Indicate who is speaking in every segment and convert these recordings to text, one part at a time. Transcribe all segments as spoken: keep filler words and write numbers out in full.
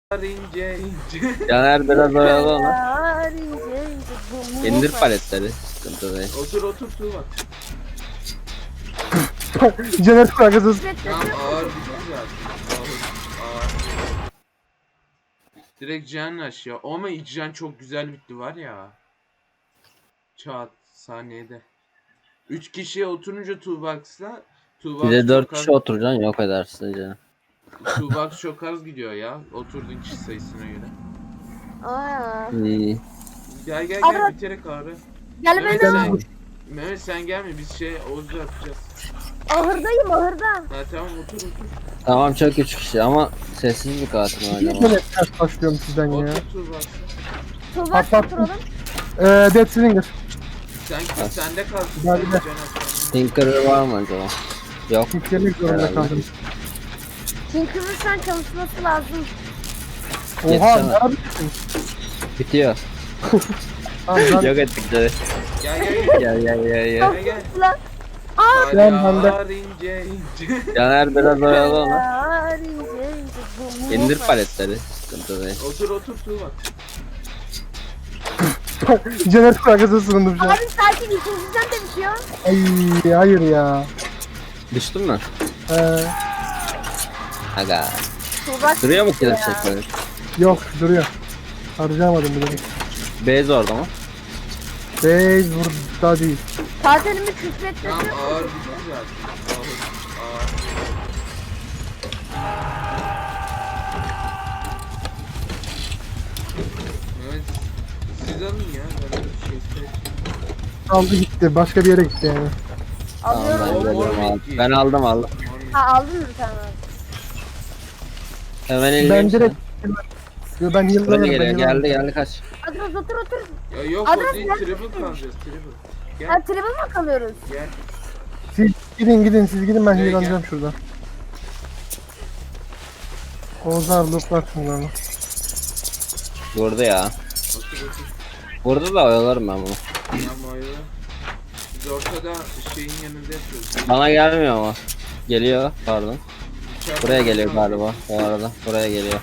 Speaker 1: ince ince.
Speaker 2: Caner biraz oyalı onu.
Speaker 3: Yar ince ince bu mu?
Speaker 2: İndir paletleri. Sıkıntı değil.
Speaker 1: Otur otur Tuğba.
Speaker 4: Caner kankasız.
Speaker 1: Tamam ağır bitti zaten. Ağır, ağır. Direkt can aşağı. Ama ilk can çok güzel bitti var ya. Çat saniyede. üç kişiye oturunca Tuğbax'la Tuğbax
Speaker 2: Bir de dört
Speaker 1: çok az-
Speaker 2: kişi oturacaksın yok edersin canım.
Speaker 1: Tuğbax çok az gidiyor ya. Oturduğun kişi sayısına göre.
Speaker 3: Aa.
Speaker 2: İyi.
Speaker 1: Gel gel
Speaker 3: Ara-
Speaker 1: gel bitirek ağrı.
Speaker 3: Gel
Speaker 1: Mehmet
Speaker 3: beni
Speaker 1: sen,
Speaker 3: al.
Speaker 1: Mehmet sen gelme biz şey Oğuz'la yapacağız.
Speaker 3: Ahırdayım ahırda.
Speaker 1: Ha tamam otur otur.
Speaker 2: Tamam çok üç kişi ama sessiz bir katil var acaba.
Speaker 4: Caner ters başlıyorum sizden ya.
Speaker 1: Otur Tuğbax.
Speaker 3: Tuğbak
Speaker 4: Patlat.
Speaker 3: oturalım.
Speaker 4: Eee Dead Slinger.
Speaker 1: Sen sende kalsın.
Speaker 4: Gel,
Speaker 1: Sen
Speaker 4: gel.
Speaker 1: can at.
Speaker 2: Tinker var mı acaba? Yok.
Speaker 4: Yüklemek zorunda
Speaker 2: Herhalde.
Speaker 4: kaldım.
Speaker 3: Tinker'ın şu an çalışması lazım.
Speaker 4: Oha
Speaker 2: Yetişemem.
Speaker 4: ne yapıyorsun?
Speaker 2: Bitiyor.
Speaker 4: Tamam ben
Speaker 2: Yok ettik de.
Speaker 1: Gel gel gel.
Speaker 2: Gel gel gel
Speaker 3: Çok
Speaker 2: gel.
Speaker 1: gel.
Speaker 3: kötü lan. Aa.
Speaker 4: Ben- ben de-
Speaker 1: Yar ince ince.
Speaker 2: Caner biraz oyalı onu.
Speaker 3: Yar ince ince bu mu?
Speaker 2: İndir paletleri. Sıkıntı değil.
Speaker 1: Otur otur Tuğba.
Speaker 4: Caner kankasız sığındım şu an.
Speaker 3: Abi sakin ikinciden de bitiyor.
Speaker 4: Ay hayır ya.
Speaker 2: Düştün mü?
Speaker 4: Ee,
Speaker 2: Aga.
Speaker 3: Tuğbak
Speaker 2: Duruyor mu kilit
Speaker 3: ya.
Speaker 2: çekmeli?
Speaker 4: yok duruyor. Harcamadım bile.
Speaker 2: Base orada mı?
Speaker 4: Bey burada değil.
Speaker 3: Katilimi küfretmesi.
Speaker 1: Tamam ağır bitti zaten. Ağır ağır. Evet. Siz alın ya. Ben de bir şey isteyeyim.
Speaker 4: Aldı gitti. Başka bir yere gitti yani.
Speaker 2: Tamam ben
Speaker 3: Alıyorum.
Speaker 2: geliyorum aldım. Ben aldım aldım.
Speaker 3: Ha aldın mı tamam.
Speaker 2: Hemen elini.
Speaker 4: Ben direkt... Yo, ben
Speaker 2: Buraya
Speaker 4: yıllarım.
Speaker 2: geliyor.
Speaker 4: Ben
Speaker 2: Geldi
Speaker 4: yıllarım.
Speaker 2: geldi kaç.
Speaker 3: Adres otur otur.
Speaker 1: Ya yok
Speaker 3: Adres
Speaker 1: o değil.
Speaker 3: nerede?
Speaker 1: Triple kalacağız. Triple. Gel
Speaker 3: Ha tribe mi kalıyoruz?
Speaker 1: gel.
Speaker 4: Siz gidin gidin siz gidin ben
Speaker 1: Gel,
Speaker 4: yılanacağım
Speaker 1: gel.
Speaker 4: şurada. Oğuzlar looplar şimdi onu.
Speaker 2: Vurdu ya.
Speaker 1: Otur otur.
Speaker 2: Vurdu da oyalarım ben bunu.
Speaker 1: Tamam ayrı. Biz ortada şeyin yanında yapıyoruz.
Speaker 2: Bana gelmiyor ama. Geliyor pardon.
Speaker 1: İçeride
Speaker 2: Buraya geliyor
Speaker 1: tamam.
Speaker 2: galiba bu arada. Buraya geliyor.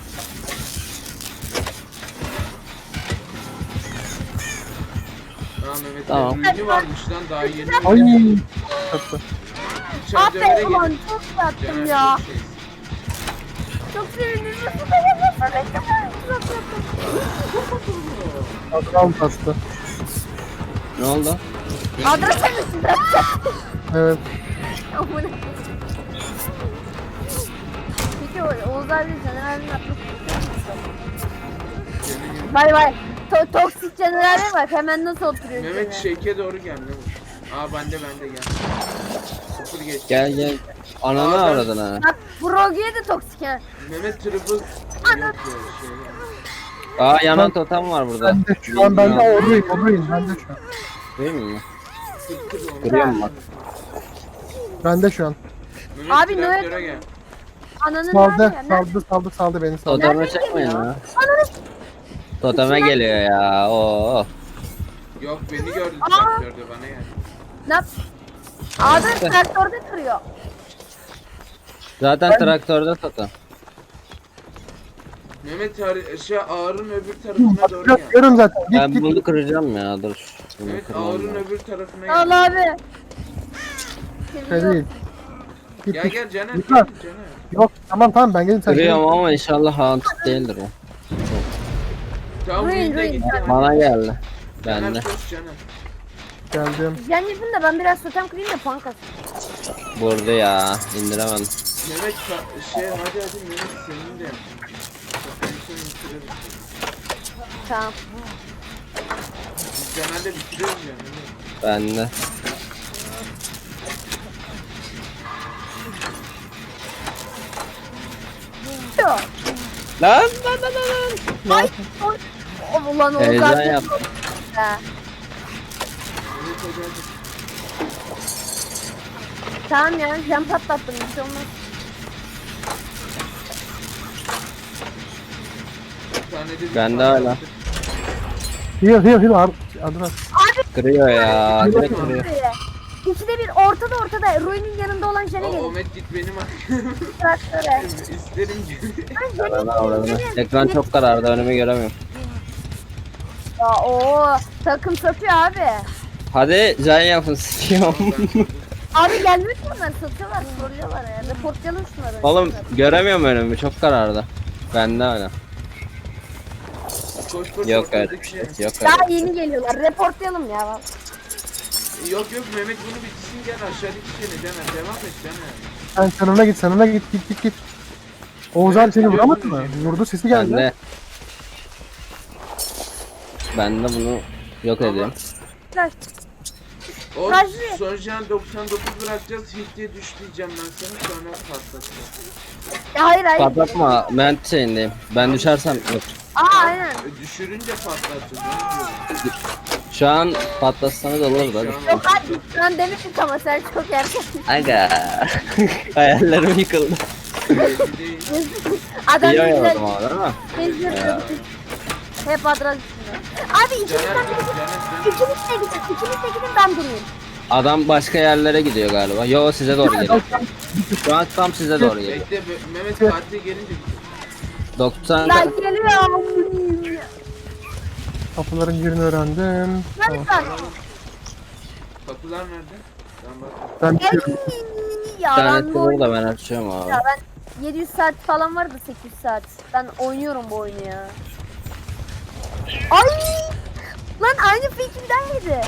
Speaker 1: Tamam Mehmet.
Speaker 2: Tamam.
Speaker 1: Ürünü varmış lan daha yeni.
Speaker 4: Ay. Tatlı.
Speaker 1: İçeride öyle
Speaker 3: Aferin ulan
Speaker 1: gelin.
Speaker 3: çok yattım
Speaker 1: Caner,
Speaker 3: ya.
Speaker 1: çok şey.
Speaker 3: Çok sevindim.
Speaker 4: Adam tatlı.
Speaker 2: Ne oldu?
Speaker 3: Adres misin?
Speaker 4: Evet.
Speaker 3: Amına. Peki o- Oğuz abi Caner abinin atması. Bay bay. To toksik Caner abi bak hemen nasıl oturuyor.
Speaker 1: Mehmet
Speaker 3: Caner.
Speaker 1: şeke doğru gel Mehmet. Aa bende bende gel. Sıfır geç.
Speaker 2: Gel gel. Ananı
Speaker 1: Aa, ben-
Speaker 2: avradın ha.
Speaker 3: Bak Brogy'e de toksik ha.
Speaker 1: Mehmet triple yok ya şey.
Speaker 2: Aa yanan totem var burada.
Speaker 4: Ben de şu an ben de orayım orayım. Ben de şu an.
Speaker 2: Değil mi?
Speaker 1: Sıktır onu.
Speaker 2: Görüyor musun bak?
Speaker 4: Ben de şu an.
Speaker 1: Mehmet
Speaker 3: Abi,
Speaker 1: traktöre
Speaker 3: Noel-
Speaker 1: gel.
Speaker 3: Ananın
Speaker 4: Saldı
Speaker 3: nerede? Nerede?
Speaker 4: saldı saldı saldı beni saldı.
Speaker 2: Toteme
Speaker 3: Nereden
Speaker 2: çekmeyin
Speaker 3: geliyor?
Speaker 2: ya.
Speaker 3: Ananı.
Speaker 2: Toteme geliyor ya. Oo.
Speaker 1: Yok beni gördü
Speaker 3: Aa.
Speaker 1: traktörde bana gel.
Speaker 3: Ne yap? Abi traktörde kırıyor.
Speaker 2: Zaten traktörde totem.
Speaker 1: Mehmet har- şey ağırın öbür tarafına doğru gel.
Speaker 4: Yapıyorum zaten. Git
Speaker 2: Ben
Speaker 4: git.
Speaker 2: bunu kıracağım ya dur. Bunu
Speaker 1: Evet
Speaker 2: kırmam
Speaker 1: ağırın
Speaker 2: lazım.
Speaker 1: öbür tarafına gel.
Speaker 3: Al abi.
Speaker 4: Şey değil. Git
Speaker 1: Gel
Speaker 4: git.
Speaker 1: gel Caner.
Speaker 4: Yukarı.
Speaker 1: gel, Caner.
Speaker 4: Yok tamam tamam ben geldim sen.
Speaker 2: Kırıyorum ama inşallah haunted değildir o.
Speaker 1: Tamam
Speaker 3: Ruin,
Speaker 1: Ruin de
Speaker 3: ruin.
Speaker 1: gitti.
Speaker 2: Bana geldi.
Speaker 1: Caner
Speaker 2: Bende.
Speaker 1: koş Caner.
Speaker 4: Geldim.
Speaker 3: Yan yapın da ben biraz totem kırayım da puan kasayım.
Speaker 2: Vurdu ya. İndiremedim.
Speaker 1: Mehmet ka- şey hadi hadi Mehmet senin de. Bak, en son bitiririz.
Speaker 3: Tamam.
Speaker 1: Biz Caner'le bitiriyoruz ya Mehmet.
Speaker 2: Bende.
Speaker 3: Yok.
Speaker 2: Lan lan lan lan. lan.
Speaker 3: Ay. Oy. O ulan Oğuz
Speaker 2: Heyecan
Speaker 3: abi.
Speaker 2: yaptım.
Speaker 3: Ha.
Speaker 1: Mehmet hadi hadi.
Speaker 3: Tamam ya cam patlattım bir şey olmaz.
Speaker 1: Bir tane de bir
Speaker 2: Bende
Speaker 1: tane
Speaker 2: hala.
Speaker 1: attık.
Speaker 4: Heal heal heal. Ar- Adres.
Speaker 2: Kırıyor ya. Direkt kırıyor.
Speaker 3: Buraya. İkide bir ortada ortada Rui'nin yanında olan jene
Speaker 1: O
Speaker 3: gelin.
Speaker 1: Ahmet git benim
Speaker 3: Traktöre.
Speaker 1: isterim ki.
Speaker 2: Ananı avradını. Ekran çok karardı, önümü göremiyorum.
Speaker 3: Ya o takım satıyor abi.
Speaker 2: Hadi can yapın sikiyorum.
Speaker 3: Abi gelmiyor ki onlar satıyorlar soruyorlar ya. Reportlayalım şunları.
Speaker 2: Oğlum göremiyorum önümü, çok karardı. Bende öyle.
Speaker 1: Koş koş
Speaker 2: Yok öyle
Speaker 1: ortadaki
Speaker 2: bir
Speaker 1: şey.
Speaker 2: şey. Yok öyle.
Speaker 3: Daha yeni geliyorlar. Reportlayalım ya.
Speaker 1: Yok yok Mehmet bunu bitsin gel aşağıdaki şeyine deme devam et deme.
Speaker 4: Sen sanına git sanına git git git git. Oğuz abi seni vuramadı mı? Vurdu sesi geldi.
Speaker 2: Ben de. Ben de bunu yok
Speaker 1: Ama-
Speaker 2: ediyorum.
Speaker 3: Flash.
Speaker 1: O
Speaker 3: Rajvi.
Speaker 1: son jen doksan dokuz bırakacağız hit diye düş diyeceğim ben sana sonra patlatacağım.
Speaker 3: Ya hayır hayır.
Speaker 2: Patlatma, ben şeyindeyim. Ben düşersem yok.
Speaker 3: Aa aynen.
Speaker 1: E, Düşürünce patlatacağız. ne diyorum?
Speaker 2: Şu an patlatsanız olur da.
Speaker 1: Şu an
Speaker 3: Yok abi şu an demiştik ama sen çok erken.
Speaker 2: Aga. Hayallerim yıkıldı.
Speaker 1: belli değil.
Speaker 3: Adam
Speaker 2: İyi
Speaker 3: güzel.
Speaker 2: oynadım ama değil mi?
Speaker 3: Geziyor. Hep adres üstünde. Abi
Speaker 1: Caner
Speaker 3: ikinizden
Speaker 1: dur
Speaker 3: biri
Speaker 1: Caner
Speaker 3: İkiniz de gidin. İkiniz de gidin ben durayım.
Speaker 2: Adam başka yerlere gidiyor galiba. Yo size doğru geliyor. Şu an tam size doğru
Speaker 1: dön.
Speaker 2: geliyor.
Speaker 1: Bekle Be- Mehmet Fatih gelince gidecek.
Speaker 2: doksan
Speaker 3: Lan geliyor.
Speaker 4: Kapıların yerini öğrendim. Tamam.
Speaker 3: Lan
Speaker 1: Kapılar nerede? Ben bak.
Speaker 4: Ben
Speaker 3: Ey,
Speaker 4: bitiyorum.
Speaker 3: ya
Speaker 2: tane
Speaker 3: ben bu
Speaker 2: kıvır
Speaker 3: oyunu...
Speaker 2: da ben açıyorum abi.
Speaker 3: Ya ben yedi yüz saat falan vardı sekiz yüz saat. Ben oynuyorum bu oyunu ya. Ay! Lan aynı fikrimdeydi.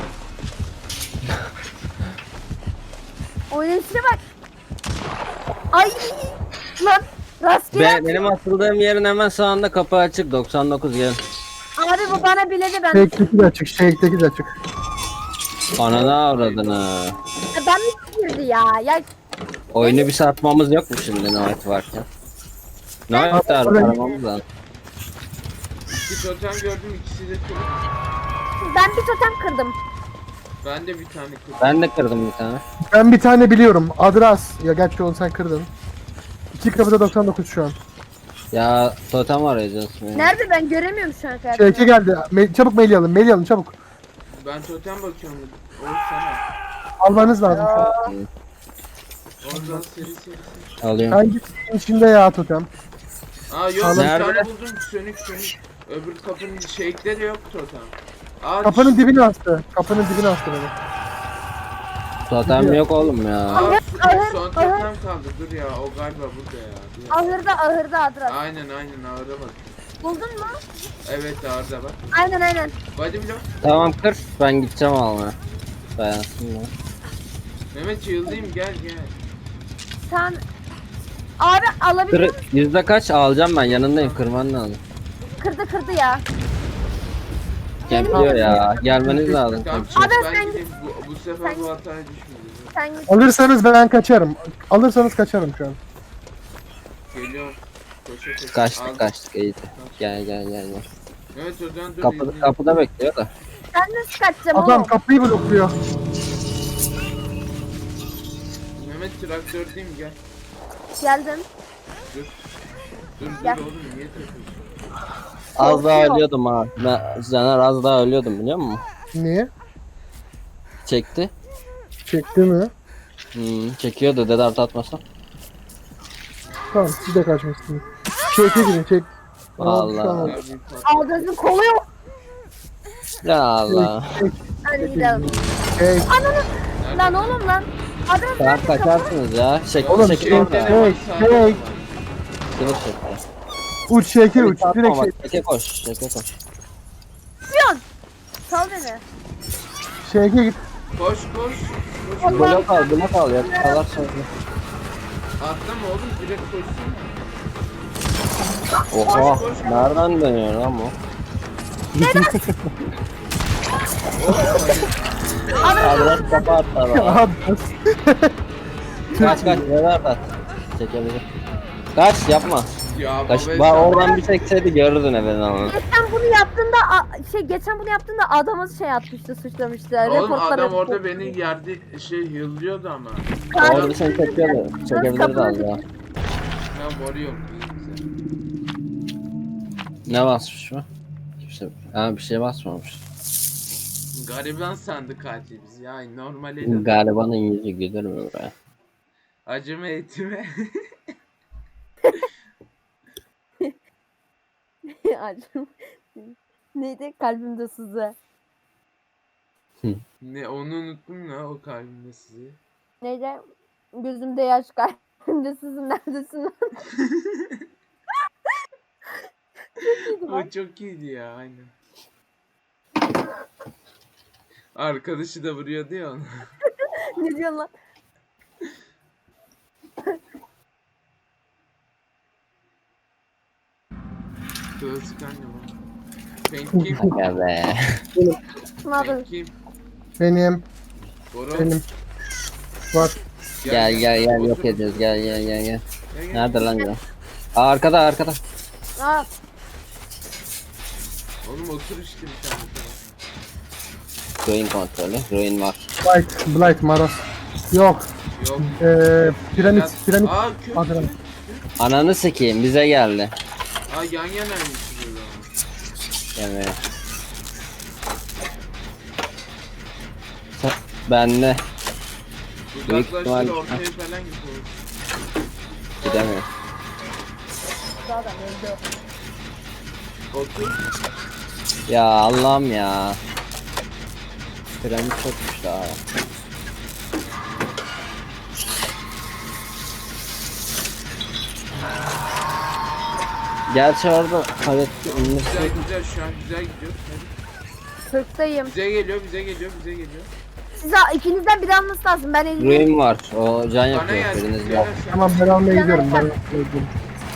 Speaker 3: Oynayışına bak. Ay! Lan rastgele.
Speaker 2: Be, benim asıldığım yerin hemen sağında kapı açık, doksan dokuz gelin.
Speaker 3: Abi bu bana biledi ben.
Speaker 4: Shake'deki de açık. Shake'deki de açık.
Speaker 2: Ananı avradını.
Speaker 3: Ya ben mi girdi ya? Ya
Speaker 2: Oyunu bir satmamız yok mu şimdi Noit varken? Noit de aramamız lazım.
Speaker 1: İki totem gördüm ikisi de kırık.
Speaker 3: ben bir totem kırdım.
Speaker 1: Ben de bir tane kırdım.
Speaker 2: Ben de kırdım bir tane.
Speaker 4: Ben bir tane biliyorum. Adras. Ya gerçi onu sen kırdın. İki kapıda doksan dokuz şu an.
Speaker 2: Ya totem arayacağız.
Speaker 3: Nerede ben göremiyorum şu an
Speaker 4: Shake'e
Speaker 3: kardeşim.
Speaker 4: geldi. Me- çabuk mail alın. Mail alın çabuk.
Speaker 1: Ben totem bakıyorum. Oğuz sana.
Speaker 4: Almanız lazım şu an.
Speaker 1: Oradan seri seri seri.
Speaker 2: Alıyorum.
Speaker 4: Hangisinin içinde ya totem?
Speaker 1: Aa yok bir
Speaker 2: Nerede?
Speaker 1: tane buldum sönük sönük. Öbür kapının shake'leri yok totem. Aa
Speaker 4: Kapının dibine astı. Kapının dibine astı beni.
Speaker 2: Totem yok oğlum ya.
Speaker 1: Aa,
Speaker 3: Ahır,
Speaker 1: son,
Speaker 3: ahır,
Speaker 1: son
Speaker 3: ahır.
Speaker 1: totem kaldı. Dur ya o galiba burada ya. Dur.
Speaker 3: Ahırda ahırda adres.
Speaker 1: Aynen aynen ağırda bak.
Speaker 3: Buldun mu?
Speaker 1: Evet ağırda bak.
Speaker 3: Aynen aynen.
Speaker 1: Body block.
Speaker 2: Tamam kır, ben gideceğim almaya. Dayansın ya.
Speaker 1: Mehmet yıldayım gel gel.
Speaker 3: Sen abi alabilir
Speaker 2: Kır,
Speaker 3: misin?
Speaker 2: yüzde kaç alacağım ben, yanındayım, kırman lazım.
Speaker 3: Kırdı kırdı ya.
Speaker 2: Kempliyor ya, gelmeniz lazım.
Speaker 1: Tamam
Speaker 2: kempliyor.
Speaker 1: çık
Speaker 3: Abi
Speaker 1: ben
Speaker 3: sen
Speaker 1: gideyim. Bu, bu sefer
Speaker 3: sen-
Speaker 1: bu hataya düşmedim.
Speaker 3: Sen git.
Speaker 4: Alırsanız ben kaçarım. Alırsanız kaçarım şu an.
Speaker 1: Geliyorum. Koşa koşa.
Speaker 2: Kaçtık
Speaker 1: Aldım.
Speaker 2: kaçtık iyi. Gel gel gel gel.
Speaker 1: Evet o zaman dur.
Speaker 2: Kapı,
Speaker 1: yıldayım.
Speaker 2: kapıda bekliyor da.
Speaker 3: Sen nasıl kaçacaksın
Speaker 4: Adam
Speaker 3: oğlum?
Speaker 4: kapıyı blokluyor.
Speaker 1: Mehmet traktördeyim gel.
Speaker 3: Geldim.
Speaker 1: Dur. Dur
Speaker 3: Gel.
Speaker 1: dur oğlum niye takıyorsun?
Speaker 2: Az daha
Speaker 3: Korkuyor.
Speaker 2: ölüyordum ha. Ben, Caner az daha ölüyordum biliyor musun?
Speaker 4: Niye?
Speaker 2: Çekti.
Speaker 4: Çekti mi?
Speaker 2: Hmm, çekiyordu dede artı atmasa.
Speaker 4: Tamam siz de kaçmışsınız. Çeke girin çek.
Speaker 2: Vallahi.
Speaker 4: Tamam.
Speaker 1: Ya bir pat-
Speaker 3: Aldızın kolu yok.
Speaker 2: Ya Allah.
Speaker 4: Çek,
Speaker 3: Hadi gidelim.
Speaker 4: çek.
Speaker 3: Ananı. Lan oğlum lan. Adres
Speaker 2: Tamam
Speaker 3: nerede kapı?
Speaker 2: kaçarsınız ya. Çek,
Speaker 4: Oğlum,
Speaker 2: çekil
Speaker 4: şey-
Speaker 2: orada.
Speaker 4: şey-
Speaker 1: Sağda
Speaker 4: hey.
Speaker 1: var.
Speaker 2: Kılıç çekti.
Speaker 4: Uç şeke uç.
Speaker 2: Atma
Speaker 4: Direkt
Speaker 2: bak,
Speaker 4: şey.
Speaker 2: çeke koş, çeke koş.
Speaker 3: Piyon. Sal beni.
Speaker 4: Şeke git.
Speaker 1: Koş koş. Koş.
Speaker 3: Allah.
Speaker 2: Blok al, blok al ya. Kalar sonra.
Speaker 1: Atlama oğlum direkt koşsana.
Speaker 2: Oha, nereden dönüyor lan bu? Adres kapı attı adam.
Speaker 4: Abi,
Speaker 2: Kaç kaç, neler at. Çekebilir. Kaç, yapma.
Speaker 1: Ya
Speaker 2: Kaç,
Speaker 1: baba
Speaker 2: bak
Speaker 1: sen-
Speaker 2: oradan bir çekseydi görürdün efendim ama.
Speaker 3: Geçen bunu yaptığında a- şey geçen bunu yaptığında adamı şey atmıştı suçlamıştı.
Speaker 1: Oğlum
Speaker 3: Reportlar
Speaker 1: adam
Speaker 3: yapıyor.
Speaker 1: orada beni yerde şey yıldıyordu ama.
Speaker 2: Orada seni çekiyordu. Çekebilirdi az daha.
Speaker 1: Ya boru yok.
Speaker 2: Ne basmış mı? Kimse, ha bir şey basmamış.
Speaker 1: Gariban sandı katil bizi ya. Normal el.
Speaker 2: Garibanın yüzü gülür mü be?
Speaker 1: Acıma etime.
Speaker 3: Acım. Neydi? Kalbimde sızı.
Speaker 1: Ne onu unuttum ya o kalbimde sizi.
Speaker 3: Neydi? Gözümde yaş, kalbimde sızı, neredesin lan? Çok iyiydi
Speaker 1: O
Speaker 3: lan.
Speaker 1: çok iyiydi ya aynen. Arkadaşı da vuruyordu ya onu.
Speaker 3: Ne diyorsun lan?
Speaker 1: Klasik anne bu. Paint kim?
Speaker 2: Aga be.
Speaker 3: Ne yapıyorsun?
Speaker 1: Paint kim?
Speaker 4: Benim.
Speaker 1: Boro.
Speaker 4: Benim. Var.
Speaker 2: Gel gel gel yok
Speaker 1: Otur.
Speaker 2: ediyoruz gel gel gel gel.
Speaker 1: Gel, gel.
Speaker 2: Nerede lan ya? Aa, arkada arkada.
Speaker 3: Aa,
Speaker 1: Oğlum otur işte bir tane.
Speaker 2: Ruin kontrolü. Ruin var.
Speaker 4: Blight. Blight. Maros. Yok.
Speaker 1: Yok.
Speaker 4: Eee piramit.
Speaker 1: Biraz-
Speaker 4: Piramit.
Speaker 1: Aa kök.
Speaker 4: Adana.
Speaker 2: Ananı sikeyim bize geldi.
Speaker 1: Aa yan yanaymış böyle ama.
Speaker 2: Yemeğe. Ben de Büyük
Speaker 1: Uzaklaştır
Speaker 2: ihtimal-
Speaker 1: ortaya falan git oğlum.
Speaker 2: gidemiyorum.
Speaker 3: zaten öldü.
Speaker 1: Otur.
Speaker 2: Ya Allah'ım ya. Piramit çokmuş daha. Gerçi orada palette ünlü
Speaker 1: Güzel güzel şu an güzel gidiyor. Hadi.
Speaker 3: Sırttayım.
Speaker 1: Bize geliyor bize geliyor bize geliyor.
Speaker 3: Size ikinizden biri alması lazım. Ben elini.
Speaker 2: Ruin var. O can
Speaker 1: Bana
Speaker 2: yapıyor.
Speaker 1: gelsin.
Speaker 2: Biriniz
Speaker 1: Gel
Speaker 2: var.
Speaker 1: sen.
Speaker 4: Tamam ben almaya gidiyorum. Ben almaya gidiyorum.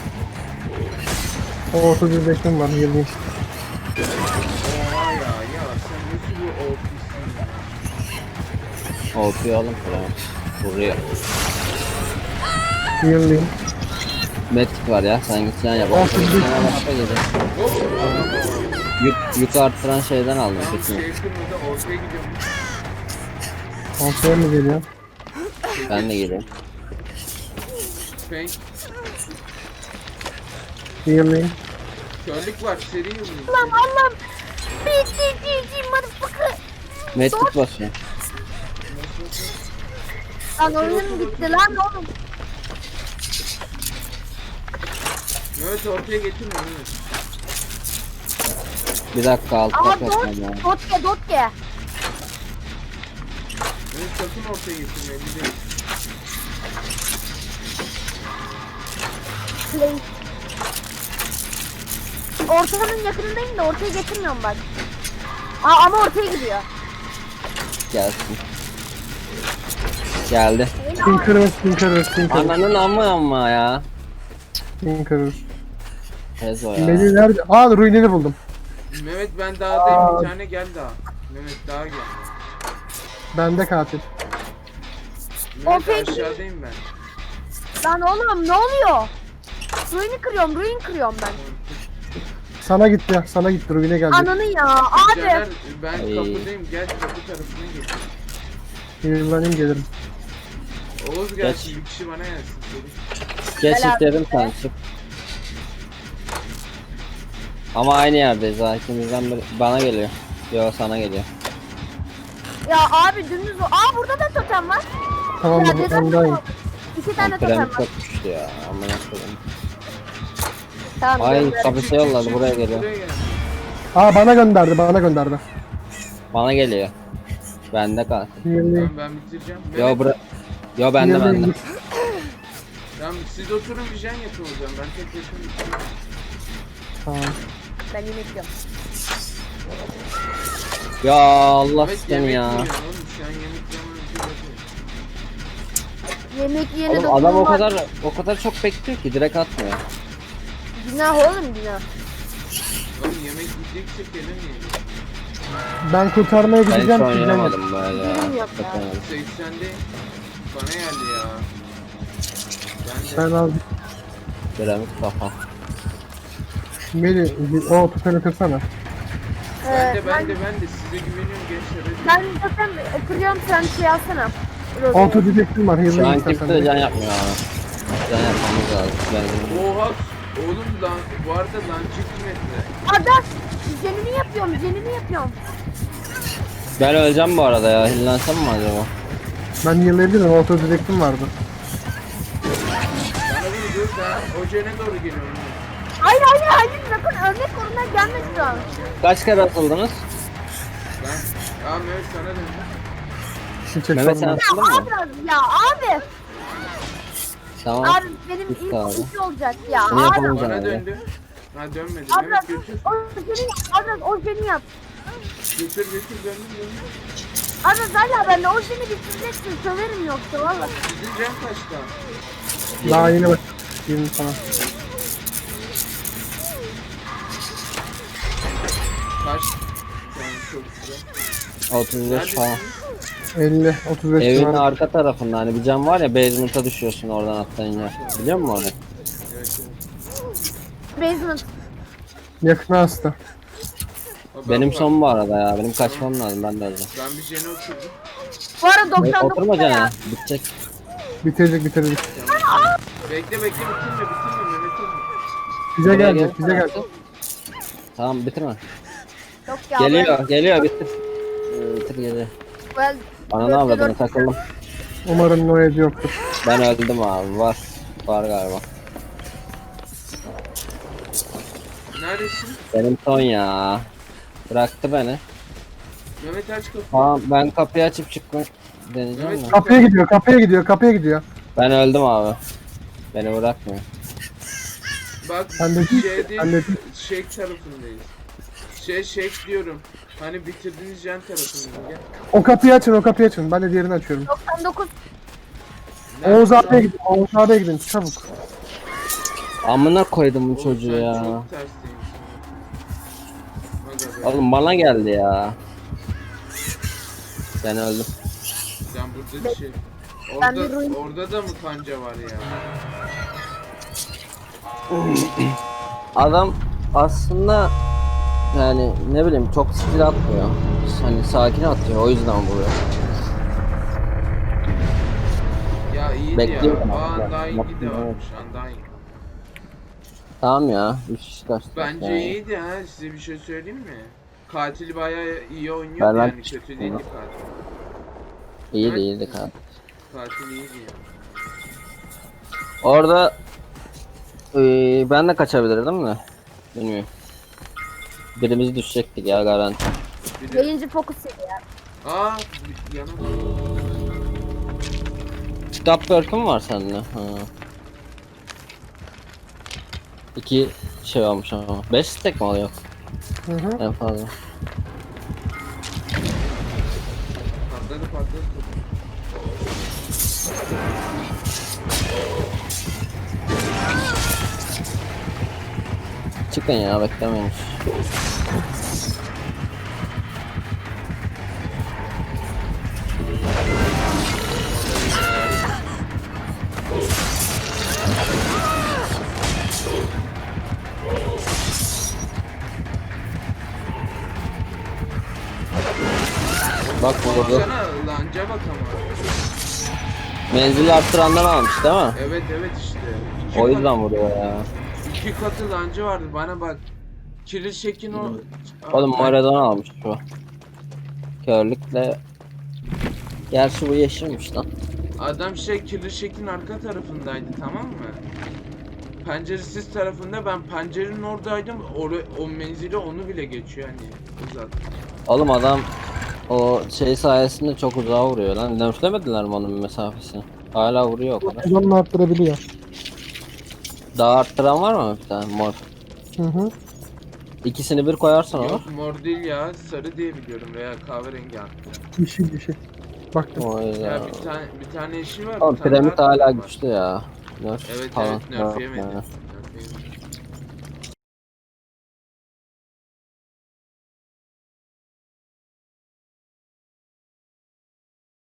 Speaker 4: O otuz bir beşim var. Yıldayım.
Speaker 1: Oha ya ya sen nasıl bu ortasın ya?
Speaker 2: O P oğlum piramit. Vuruyor.
Speaker 4: Yıldayım.
Speaker 2: Metik var ya. Sen git can yap.
Speaker 4: Olsun,
Speaker 2: Olsun,
Speaker 4: bir-
Speaker 2: sana başka gelir. Yük, yük arttıran şeyden aldım.
Speaker 1: Tam
Speaker 2: Bütün.
Speaker 1: şey kırmızı ortaya gidiyorum.
Speaker 4: Ortaya mı geliyor?
Speaker 2: Ben de geliyorum.
Speaker 1: Paint.
Speaker 4: Yıldayım.
Speaker 1: Körlük var seri yıldız.
Speaker 3: Allah'ım Allah'ım. Bitti cici motherfucker.
Speaker 2: Metik basıyor.
Speaker 3: Lan oyunum bitti lan oğlum.
Speaker 1: Evet ortaya getirme evet.
Speaker 2: Bir dakika altı
Speaker 3: Ama
Speaker 2: tak
Speaker 3: dot,
Speaker 2: atmam lazım.
Speaker 3: dotke dotke.
Speaker 1: Evet sakın ortaya getirme elli değil.
Speaker 3: Play. Ortanın yakınındayım da ortaya getirmiyorum bak. Aa, ama ortaya gidiyor.
Speaker 2: Gelsin. Geldi.
Speaker 4: Tinkerers, Tinkerers, Tinkerers.
Speaker 2: Ananın amma amma ya.
Speaker 4: Tinkerers.
Speaker 2: Tezo ya.
Speaker 4: Melih nerede? Aa ruinini buldum.
Speaker 1: Mehmet ben dağdayım bir tane gel daha. Mehmet daha gel.
Speaker 4: Bende katil.
Speaker 1: Mehmet
Speaker 3: peki.
Speaker 1: aşağıdayım ben.
Speaker 3: Lan oğlum ne oluyor? Ruin'i kırıyorum, ruin kırıyorum ben.
Speaker 4: Sana gitti ya. Sana gitti. Ruine geldi.
Speaker 3: Ananı ya
Speaker 1: Caner,
Speaker 3: abi.
Speaker 1: ben
Speaker 2: Ay.
Speaker 1: kapıdayım gel kapı tarafına gel.
Speaker 4: Yıldayım gelirim.
Speaker 1: Oğuz gelsin bir kişi bana gelsin. Seri.
Speaker 2: Geç
Speaker 3: Helal
Speaker 2: istedim
Speaker 3: be.
Speaker 2: sen çık. Ama aynı yerdeyiz ha. İkimizden biri bana geliyor. Yo sana geliyor.
Speaker 3: Ya abi dümdüz o. Aa burada da totem var.
Speaker 4: Tamam
Speaker 3: Ya
Speaker 4: mı?
Speaker 3: neden
Speaker 4: Ondayım.
Speaker 3: İki tane
Speaker 2: Lan
Speaker 3: totem
Speaker 2: piramit
Speaker 3: var.
Speaker 2: çok güçlü ya. Amına koyayım.
Speaker 3: Tamam.
Speaker 2: Ay
Speaker 3: gönder.
Speaker 2: kapısı yolladı buraya geliyor.
Speaker 1: Buraya gel.
Speaker 4: Aa bana gönderdi. Bana gönderdi.
Speaker 2: Bana geliyor. Bende kal.
Speaker 4: Yıldayım.
Speaker 1: Tamam ben bitireceğim.
Speaker 2: Yo
Speaker 1: Mehmet,
Speaker 2: bura. Yo bende
Speaker 4: Yıldayım,
Speaker 2: bende.
Speaker 4: git.
Speaker 1: tamam siz oturun bir jen yapın o zaman. Ben tek başıma bitiriyorum.
Speaker 4: Tamam.
Speaker 3: Ben yemek yiyorum.
Speaker 2: Ya Allah
Speaker 1: Evet
Speaker 2: seni
Speaker 1: yemek
Speaker 2: ya.
Speaker 1: yiyorsun oğlum. Şu an yemek zamanı değil.
Speaker 3: Yemek yiyene
Speaker 2: Oğlum adam o
Speaker 3: dokunulmaz.
Speaker 2: kadar o kadar çok bekliyor ki direkt atmıyor.
Speaker 3: Günah oğlum günah.
Speaker 1: Oğlum yemek yiyecekse gelir mi?
Speaker 4: Ben kurtarmaya
Speaker 2: Ben hiç
Speaker 4: gideceğim. Gideceğim.
Speaker 2: oynayamadım böyle ya.
Speaker 3: Bilmiyorum ya.
Speaker 2: Kurtaramadım.
Speaker 1: seksende bana geldi ya. Ben de
Speaker 4: Ben al.
Speaker 2: Piramit kafa.
Speaker 4: Melih o tüfeğini kırsana.
Speaker 1: ben
Speaker 3: Ee,
Speaker 1: de ben de ben de size güveniyorum gençler. hadi.
Speaker 3: Ben zaten kırıyorum, sen şey alsana.
Speaker 4: Auto didektim var.
Speaker 2: Şu
Speaker 4: Yıldayım
Speaker 2: an
Speaker 4: istersen.
Speaker 2: kimse de can yapmıyor abi. Can yapmamız lazım. Yani
Speaker 1: Oha oğlum lan bu arada lan metre.
Speaker 3: Ada jenimi yapıyorum, jenimi yapıyorum.
Speaker 2: Ben öleceğim bu arada ya. Hillensem mi acaba?
Speaker 4: Ben yıllayabilirim. Auto direktim vardı.
Speaker 1: Bana bir dur ben Ojen'e doğru geliyorum.
Speaker 3: Hayır hayır hayır sakın örnek koruna gelme şu an.
Speaker 2: Kaç kere atıldınız?
Speaker 1: Ben... Aa Mehmet sana döndüm.
Speaker 4: Şimdi çek
Speaker 2: Mehmet sen
Speaker 4: sorunu.
Speaker 2: atıldın mı?
Speaker 3: Abi ya abi.
Speaker 2: Tamam.
Speaker 3: Abi benim
Speaker 2: Git
Speaker 3: ilk
Speaker 2: abi.
Speaker 3: iş olacak ya.
Speaker 2: Bunu
Speaker 3: Abi.
Speaker 2: yapamayacağım
Speaker 1: Bana
Speaker 2: abi.
Speaker 1: döndü. Ha dönmedi.
Speaker 3: Abi
Speaker 1: Mehmet götür.
Speaker 3: o seni abi o seni yap.
Speaker 1: Götür götür döndüm döndüm.
Speaker 3: Abi valla ben de o seni bitireceksin söverim yoksa valla.
Speaker 1: Sizin can kaçta?
Speaker 4: Daha yeni bak. yirmi falan.
Speaker 1: Kaç? Yani çok güzel.
Speaker 2: otuz beş falan.
Speaker 4: elli, otuz beş
Speaker 2: Evin
Speaker 4: civarı.
Speaker 2: arka tarafında hani bir cam var ya, basement'a düşüyorsun oradan atlayınca. Biliyor musun onu?
Speaker 1: Evet, evet.
Speaker 3: Basement.
Speaker 4: Yakına hasta.
Speaker 1: Baba,
Speaker 2: Benim
Speaker 1: bak,
Speaker 2: son bu arada ya. Benim kaçmam lazım, ben de öyle.
Speaker 1: Ben bir jene oturdum.
Speaker 3: Bu arada doksan
Speaker 2: Oturma
Speaker 3: dokuz ya.
Speaker 2: cana. Bitecek.
Speaker 4: Bitirecek bitirecek.
Speaker 1: Bekle bekle bitirme bitirme Mehmet'im.
Speaker 4: Bize
Speaker 2: Buraya
Speaker 4: gelecek, bize
Speaker 2: gelsene.
Speaker 4: gelecek.
Speaker 2: Tamam bitirme.
Speaker 3: Yok ya.
Speaker 2: Geliyor, geliyor, bitir. Ee, Bitir geliyor.
Speaker 3: Ben,
Speaker 2: Bana ne
Speaker 3: Dörtte
Speaker 2: avradını
Speaker 3: dört.
Speaker 2: takıldım.
Speaker 4: Umarım Noed yoktur.
Speaker 2: Ben öldüm abi, var. Var galiba.
Speaker 1: Neredesin?
Speaker 2: Benim son ya. Bıraktı beni.
Speaker 1: Mehmet aç kapıyı.
Speaker 2: Tamam ben kapıyı açıp çıkmak deneyeceğim
Speaker 1: Evet.
Speaker 2: mi?
Speaker 4: Kapıya gidiyor, kapıya gidiyor, kapıya gidiyor.
Speaker 2: Ben öldüm abi. Beni bırakmıyor.
Speaker 1: Bak
Speaker 4: Ben de değil,
Speaker 1: şeyde
Speaker 4: ben de değil.
Speaker 1: Shake tarafındayız. Şey Shake diyorum. Hani bitirdiğiniz jen tarafında gel.
Speaker 4: O kapıyı açın, o kapıyı açın. Ben de diğerini açıyorum.
Speaker 3: doksan dokuz.
Speaker 1: Nerede
Speaker 4: Oğuz
Speaker 1: lan?
Speaker 4: abiye gidin, Oğuz abiye gidin, çabuk.
Speaker 2: Amına koydum bu
Speaker 1: Oğlum
Speaker 2: çocuğu
Speaker 1: sen
Speaker 2: ya.
Speaker 1: Çok tersteymişsin. Hadi hadi.
Speaker 2: Oğlum bana geldi ya. Ben öldüm.
Speaker 1: Sen burada bir şey.
Speaker 3: Ben bir
Speaker 1: Orada,
Speaker 3: ruin-
Speaker 1: orada da mı kanca var ya?
Speaker 2: Adam aslında yani ne bileyim çok skill atmıyor. Hani sakin atıyor, o yüzden vuruyor.
Speaker 1: Ya iyiydi
Speaker 2: Bekliyorum
Speaker 1: ya.
Speaker 2: abi.
Speaker 1: Aa Undying'i de
Speaker 2: Bakın,
Speaker 1: varmış. Undying.
Speaker 2: Tamam ya, üç kişi kaçtı.
Speaker 1: Bence
Speaker 2: yani.
Speaker 1: iyiydi ha. Size bir şey söyleyeyim mi? Katil bayağı iyi oynuyordu
Speaker 2: Ben- ben
Speaker 1: yani.
Speaker 2: çıktım
Speaker 1: Kötü değildi
Speaker 2: ya.
Speaker 1: katil.
Speaker 2: İyiydi iyiydi kanka.
Speaker 1: Katil iyiydi ya.
Speaker 2: Orada eee, ben de kaçabilirdim de. Bilmiyorum. Birimiz düşecektik ya garanti.
Speaker 1: Bir de...
Speaker 3: Yayıncı fokus yedi ya.
Speaker 1: Aa bir yana bak.
Speaker 2: Kitap börküm var sende. Ha. İki şey olmuş ama. Beş stack mi oluyor?
Speaker 4: Hı hı.
Speaker 2: En fazla.
Speaker 1: Patladı patladı.
Speaker 2: Çıkın ya, beklemeyin. Bak burada.
Speaker 1: Baksana lanca bak ama.
Speaker 2: Menzili arttırandan almış değil mi?
Speaker 1: Evet evet işte. İki
Speaker 2: O
Speaker 1: kat-
Speaker 2: yüzden vuruyor ya.
Speaker 1: İki katı lancı vardı bana bak. Kiril şekin o...
Speaker 2: Oğlum
Speaker 1: Aa,
Speaker 2: Maradona almış bu. Körlükle. Gerçi bu yeşilmiş lan.
Speaker 1: Adam şey kirli şekin arka tarafındaydı tamam mı? Penceresiz tarafında ben pencerenin oradaydım. Or o menzili onu bile geçiyor hani uzat.
Speaker 2: Oğlum adam o şey sayesinde çok uzağa vuruyor lan. Nerflemediler mi onun mesafesini? Hala vuruyor o kadar.
Speaker 4: Uzanını arttırabiliyor.
Speaker 2: Daha arttıran var mı bir tane mor?
Speaker 4: Hı hı.
Speaker 2: İkisini bir koyarsan olur.
Speaker 1: Yok mor değil ya sarı diye biliyorum veya kahverengi hatta.
Speaker 4: Yeşil yeşil. Baktım.
Speaker 2: O yüzden.
Speaker 1: Ya bir tane bir tane eşi var.
Speaker 2: Oğlum
Speaker 1: bir tane
Speaker 2: piramit
Speaker 1: daha
Speaker 2: hala
Speaker 1: var.
Speaker 2: güçlü ya. Nerf
Speaker 1: Evet,
Speaker 2: falan.
Speaker 1: evet, nerf
Speaker 2: yok
Speaker 1: yemedi.
Speaker 2: yani.